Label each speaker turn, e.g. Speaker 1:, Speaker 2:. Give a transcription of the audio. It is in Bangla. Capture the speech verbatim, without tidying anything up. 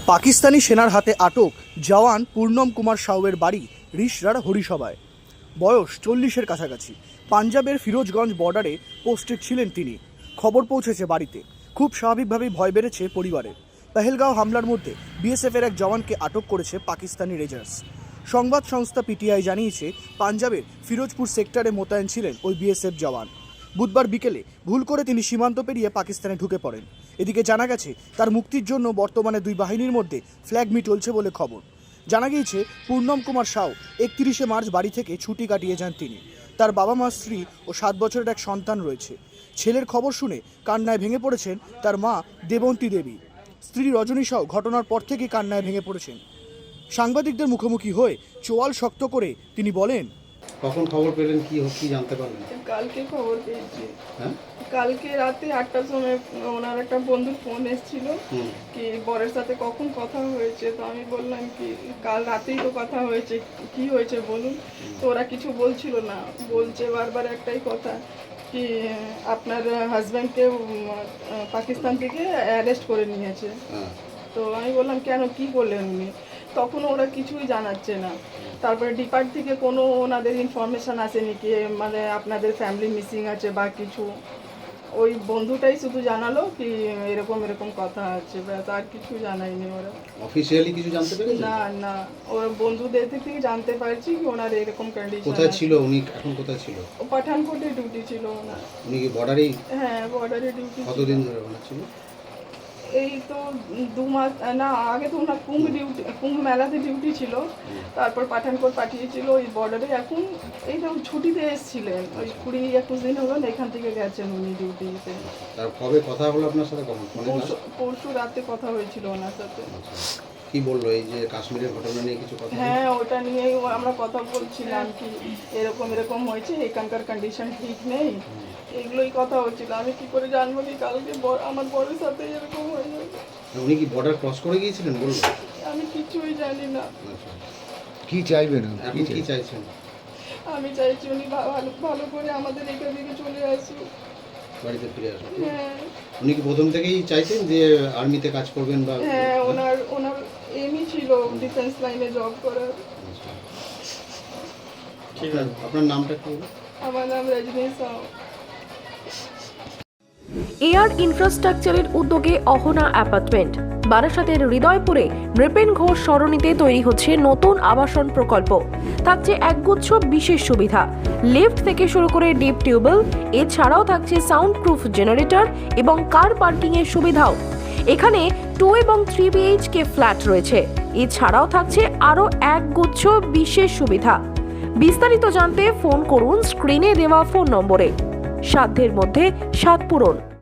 Speaker 1: পাকিস্তানি সেনার হাতে আটক জওয়ান পূর্ণম কুমার সাউয়ের বাড়ি রিষড়ার হরিসভায়। বয়স চল্লিশের কাছাকাছি। পাঞ্জাবের ফিরোজগঞ্জ বর্ডারে পোস্টেড ছিলেন তিনি। খবর পৌঁছেছে বাড়িতে। খুব স্বাভাবিকভাবেই ভয় বেড়েছে পরিবারের। পেহেলগাঁও হামলার মধ্যে বিএসএফের এক জওয়ানকে আটক করেছে পাকিস্তানি রেঞ্জার্স। সংবাদ সংস্থা পিটিআই জানিয়েছে, পাঞ্জাবের ফিরোজপুর সেক্টরে মোতায়েন ছিলেন ওই বিএসএফ জওয়ান। বুধবার বিকেলে ভুল করে তিনি সীমান্ত পেরিয়ে পাকিস্তানে ঢুকে পড়েন। এদিকে জানা গেছে, তার মুক্তির জন্য বর্তমানে দুই বাহিনীর মধ্যে ফ্ল্যাগ মিট চলছে বলে খবর। জানা গিয়েছে, পূর্ণম কুমার সাউ একত্রিশে মার্চ বাড়ি থেকে ছুটি কাটিয়ে যান তিনি। তার বাবা মা, স্ত্রী ও সাত বছরের এক সন্তান রয়েছে। ছেলের খবর শুনে কান্নায় ভেঙে পড়েছেন তার মা দেবন্তী দেবী। স্ত্রী রজনী সাউ ঘটনার পর থেকেই কান্নায় ভেঙে পড়েছেন। সাংবাদিকদের মুখোমুখি হয়ে চোয়াল শক্ত করে তিনি বলেন,
Speaker 2: কখন খবর পেলেন, কি কি জানতে পারলেন?
Speaker 3: কালকে খবর পেয়েছি।
Speaker 2: হ্যাঁ,
Speaker 3: কালকে রাতে আটটার সময় ওনার একটা বন্ধুর ফোন এসেছিল কি বরের সাথে কখন কথা হয়েছে। তো আমি বললাম কি কাল রাতেই তো কথা হয়েছে, কি হয়েছে বলুন। তো ওরা কিছু বলছিল না, বলছে বারবার একটাই কথা কি আপনার হাজব্যান্ডকে পাকিস্তান থেকে অ্যারেস্ট করে নিয়েছে। তো আমি বললাম কেন, কি বললেন উনি? তখন ওরা কিছুই জানাচ্ছে না। তারপরে ডিপার্ট থেকে কোনো ওনাদের ইনফরমেশান আসেনি কি মানে আপনাদের ফ্যামিলি মিসিং আছে বা কিছু। ওই বন্ধুটাই শুধু জানালো কি এরকম এরকম কথা আছে, ব্যাস আর কিছু জানায়নি ওরা।
Speaker 2: অফিশিয়ালি কিছু জানতে পেরেছেন?
Speaker 3: না না, ওরা বন্ধুদের থেকে জানতে পারছি কি ওনার এরকম কন্ডিশন।
Speaker 2: কোথায় ছিল উনি, এখন কোথায় ছিল?
Speaker 3: ও পাঠানকোটে ডিউটি ছিল ওনার।
Speaker 2: উনি কি বর্ডারেই?
Speaker 3: হ্যাঁ, বর্ডারে ডিউটি।
Speaker 2: কতদিন ধরে ওনার ছিল?
Speaker 3: এই তো দু মাস না, আগে তো ওনার কুম্ভ ডিউটি, কুম্ভ মেলাতে ডিউটি ছিল, তারপর পাঠানকোট পাঠিয়েছিল ওই বর্ডারে। এখন এই তো ছুটিতে এসেছিলেন, ওই কুড়ি একুশ দিন হলো এখান থেকে গেছেন উনি ডিউটিতে।
Speaker 2: তার কবে কথা হলো আপনার সাথে? কখন?
Speaker 3: পরশু পরশু রাতে কথা হয়েছিল ওনার সাথে।
Speaker 2: কি বললো এই যে কাশ্মীরের ঘটনা নিয়ে কিছু কথা?
Speaker 3: হ্যাঁ, ওটা নিয়েই আমরা কথা বলছিলাম কি এরকম এরকম হয়েছে, এখানকার কন্ডিশন ঠিক নেই, এগুলোই কথা হচ্ছিল। আমি কি করে জানবো কি কালকে আমার বরের সাথে এরকম হয়ে যাবে।
Speaker 2: উনি কি বর্ডার ক্রস করে গিয়েছিলেন বলবো?
Speaker 3: আমি কিছুই জানি না।
Speaker 2: কি চাইবেন, আপনি কি চাইছেন?
Speaker 3: আমি চাইছি উনি ভালো ভালো করে আমাদের এখান থেকে চলে আসুক,
Speaker 2: বাড়িতে ফিরে আসুন।
Speaker 3: হ্যাঁ।
Speaker 2: উনি কি প্রথম থেকেই চাইতেন যে আর্মিতে কাজ করবেন বা?
Speaker 3: হ্যাঁ, ওনার ওনার এমই ছিল ডিফেন্স লাইনে জব করার।
Speaker 2: ঠিক আছে, আপনার নামটা কি?
Speaker 3: আমার নাম রজনী সাউ।
Speaker 4: এয়ার ইনফ্রাস্ট্রাকচারের উদ্যোগে অহনা অ্যাপার্টমেন্ট বারাসাতের হৃদয়পুরে নৃপেন ঘোষ সরণিতে তৈরি হচ্ছে নতুন আবাসন প্রকল্প। থাকছে একগুচ্ছ বিশেষ সুবিধা, লিফট থেকে শুরু করে ডিপ টিউবওয়েল, এছাড়াও থাকছে সাউন্ড প্রুফ জেনারেটর এবং কার পার্কিং এর সুবিধাও। এখানে টু এবং থ্রি বিএইচকে ফ্ল্যাট রয়েছে, এছাড়াও থাকছে আরও একগুচ্ছ বিশেষ সুবিধা। বিস্তারিত জানতে ফোন করুন স্ক্রিনে দেওয়া ফোন নম্বরে। সাধ্যের মধ্যে সাত পূরণ।